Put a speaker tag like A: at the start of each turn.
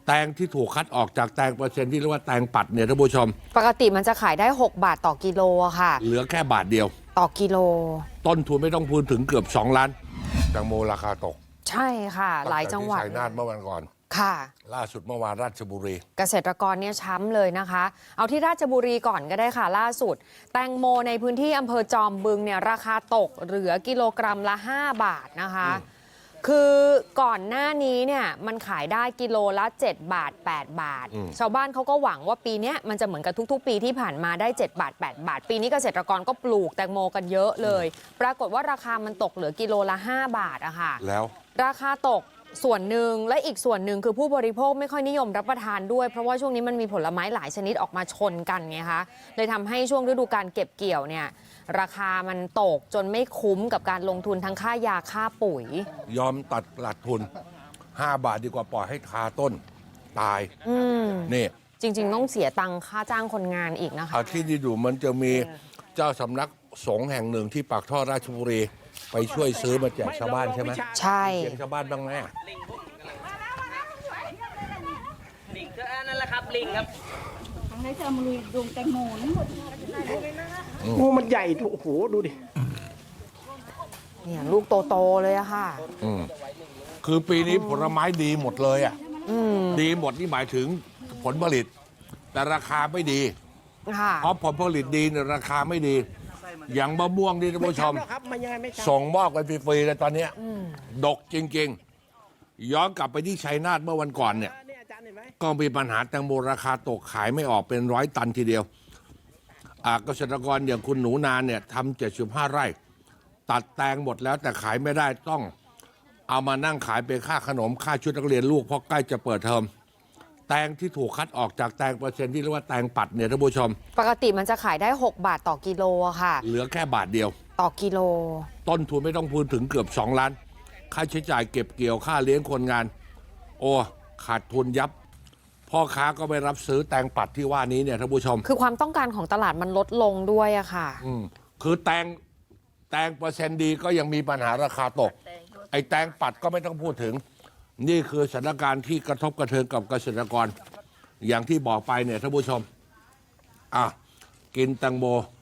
A: แตงที่ถูกคัดออกจากแตงเปอร์เซ็นต์ที่เรียกว่าแตงปัดเนี่ยท่านผู้ชม
B: ปกติมันจะขายได้6 บาทต่อกิโลอะค่ะ
A: เหลือแค่บาทเดียว
B: ต่อกิโล
A: ต้นทุนไม่ต้องพูดถึงเกือบ2 ล้านแตงโมราคาตก
B: ใช่ค่ะหลายจังหวัด
A: ชัยนาทเมื่อวันก่อน
B: ค่ะ
A: ล่าสุดเมื่อวานราชบุรี
B: เกษตรกรเนี่ยช้ำเลยนะคะเอาที่ราชบุรีก่อนก็ได้ค่ะล่าสุดแตงโมในพื้นที่อำเภอจอมบึงเนี่ยราคาตกเหลือกิโลกรัมละ5 บาทนะคะคือก่อนหน้านี้เนี่ยมันขายได้กิโลละ7 บาท8 บาทชาวบ้านเขาก็หวังว่าปีนี้มันจะเหมือนกับทุกๆปีที่ผ่านมาได้7 บาท8 บาทปีนี้เกษตรกรก็ปลูกแตงโมกันเยอะเลยปรากฏว่าราคามันตกเหลือกิโลละ5 บาทอะค่ะ
A: แล้ว
B: ราคาตกส่วนหนึ่งและอีกส่วนหนึ่งคือผู้บริโภคไม่ค่อยนิยมรับประทานด้วยเพราะว่าช่วงนี้มันมีผลไม้หลายชนิดออกมาชนกันไงคะเลยทำให้ช่วงฤดูการเก็บเกี่ยวเนี่ยราคามันตกจนไม่คุ้มกับการลงทุนทั้งค่ายาค่าปุ๋ย
A: ยอมตัดหลักทุน5 บาทดีกว่าปล่อยให้คาต้นตายนี่
B: จริงๆต้องเสียตังค่าจ้างคนงานอีกนะคะ
A: ที่ที่ดูมันจะมีเจ้าสำนักสงฆ์แห่งหนึ่งที่ปากท่อราชบุรีไปช่วยซื้อมาแจกชาวบ้านใช่ไหม
B: ใช่
A: เสียงชาวบ้านบ้างไหม
C: ลิงก็นั่นแหละครับลิงครับ
D: ทางไหนจะมาลุยดวงแตงโมนี่
E: งูมันใหญ่โอ้โหดูดิ
B: เนี่ยลูกโตๆเลยอะค่ะ
A: คือปีนี้ผลไม้ดีหมดเลยอ่ะดีหมดนี่หมายถึงผลผลิตแต่ราคาไม่ดีเพราะผลผลิตดีเนี่ยราคาไม่ดีอย่างมะม่วงนี่ท่านผู้ชมส่งมอบกันฟรีๆเลยตอนนี้ดกจริงๆย้อนกลับไปที่ชัยนาทเมื่อวันก่อนเนี่ยก็มีปัญหาแตงโมราคาตกขายไม่ออกเป็น100 ตันทีเดียวเกษตรกรอย่างคุณหนูนาเนี่ยทำ75 ไร่ตัดแตงหมดแล้วแต่ขายไม่ได้ต้องเอามานั่งขายเป็นค่าขนมค่าชุดนักเรียนลูกเพราะใกล้จะเปิดเทอมแตงที่ถูกคัดออกจากแตงเปอร์เซ็นต์ที่เรียกว่าแตงปัดเนี่ยท่านผู้ชม
B: ปกติมันจะขายได้6 บาทต่อกิโลอะค่ะ
A: เหลือแค่บาทเดียว
B: ต่อกิโล
A: ต้นทุนไม่ต้องพูดถึงเกือบ2 ล้านค่าใช้จ่ายเก็บเกี่ยวค่าเลี้ยงคนงานโอ้ขาดทุนยับพ่อค้าก็ไปรับซื้อแตงปัดที่ว่านี้เนี่ยท่านผู้ชม
B: คือความต้องการของตลาดมันลดลงด้วยอะค่ะ
A: คือแตงเปอร์เซ็นต์ดีก็ยังมีปัญหาราคาตกไอ้แตงปัดก็ไม่ต้องพูดถึงนี่คือสถานการณ์ที่กระทบกระเทือนกับเกษตรกรอย่างที่บอกไปเนี่ยท่านผู้ชมกินแตงโม